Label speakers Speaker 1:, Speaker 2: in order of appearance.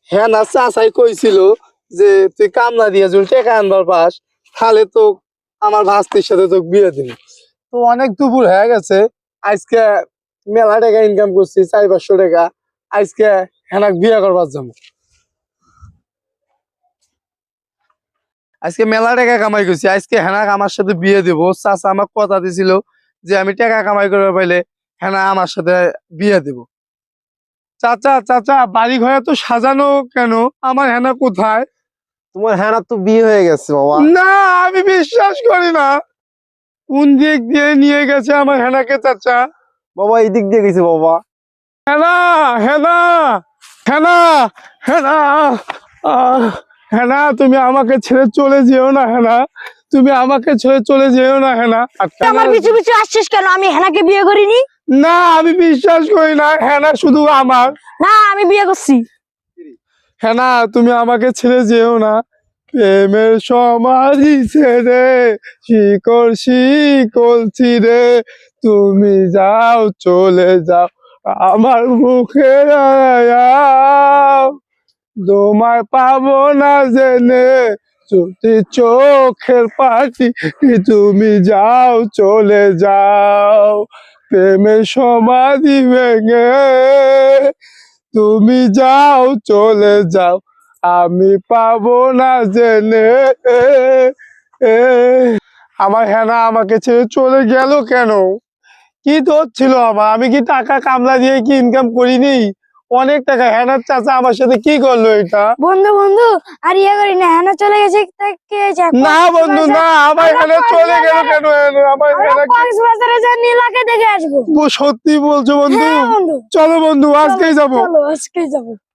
Speaker 1: হ্যাঁ না চাচাই কইছিল যে তুই কামলা দিয়ে যদি টাকা আনবার পাস তাহলে তো আমার ভাস্তির সাথে তোকে বিয়ে দিবি। তো অনেক দুপুর হয়ে গেছে, আজকে মেলা টাকা ইনকাম করছি 400-500 টাকা, আজকে হেনাক বিয়ে করবার যাবো। আজকে মেলা টাকা কামাই করছি, আজকে হেনাক আমার সাথে বিয়ে দিব। চাচা আমাকে কথা দিছিল যে আমি টাকা কামাই করতে পাইলে হেনা আমার সাথে বিয়ে দিব। চাচা চাচা বাড়ি ঘরে তো সাজানো কেন, আমার হেনা কোথায়?
Speaker 2: তোমার হ্যাঁ তো বিয়ে হয়ে গেছে বাবা।
Speaker 1: না, আমি বিশ্বাস করি না। কোন দিক দিয়ে নিয়ে গেছে আমার হেনাকে চাচা?
Speaker 2: বাবা এই দিক দিয়ে গেছে বাবা।
Speaker 1: হেনা, হেনা, হেনা, হেনা, আহ, হেনা তুমি আমাকে ছেড়ে চলে যেও না হেনা, তুমি আমাকে ছেড়ে চলে যেও না হেনা।
Speaker 3: তুই আমার পিছু পিছু আসছিস কেন? আমি হেনাকে বিয়ে করিনি।
Speaker 1: না আমি বিশ্বাস করি না, হেনা শুধু আমার।
Speaker 3: না, আমি বিয়ে করছি।
Speaker 1: হেনা তুমি আমাকে ছেড়ে যেও না, প্রেমের সমাধি ছেড়ে শিকড় শিকল ছিড়ে তুমি যাও চলে যাও আমার মুখে আয়াও, তোমায় পাবো না জেনে যদি চোখের পাখি তুমি যাও চলে যাও, প্রেমের সমাধি ভেঙে তুমি যাও চলে যাও আমি পাবো না জেনে। আমার হেনা আমাকে ছেড়ে চলে গেল কেন? কি দোষ ছিল আমার? আমি কি টাকা কামলা দিয়ে কি ইনকাম করিনি? অনেক টাকা। হেনার চাচা আমার সাথে কি করলো এটা?
Speaker 3: বন্ধু বন্ধু, আর ইয়ে করি না, হেনা চলে গেছে। তা কি হয়েছে?
Speaker 1: না বন্ধু না, আমার হেনা চলে গেল কেন? আমার হেনা
Speaker 3: কক্সবাজারে যা নীলাকে দেখে আসবো।
Speaker 1: সত্যি বলছো বন্ধু?
Speaker 3: হ্যাঁ বন্ধু,
Speaker 1: চলো বন্ধু আজকেই যাবো।
Speaker 3: চলো আজকেই যাবো।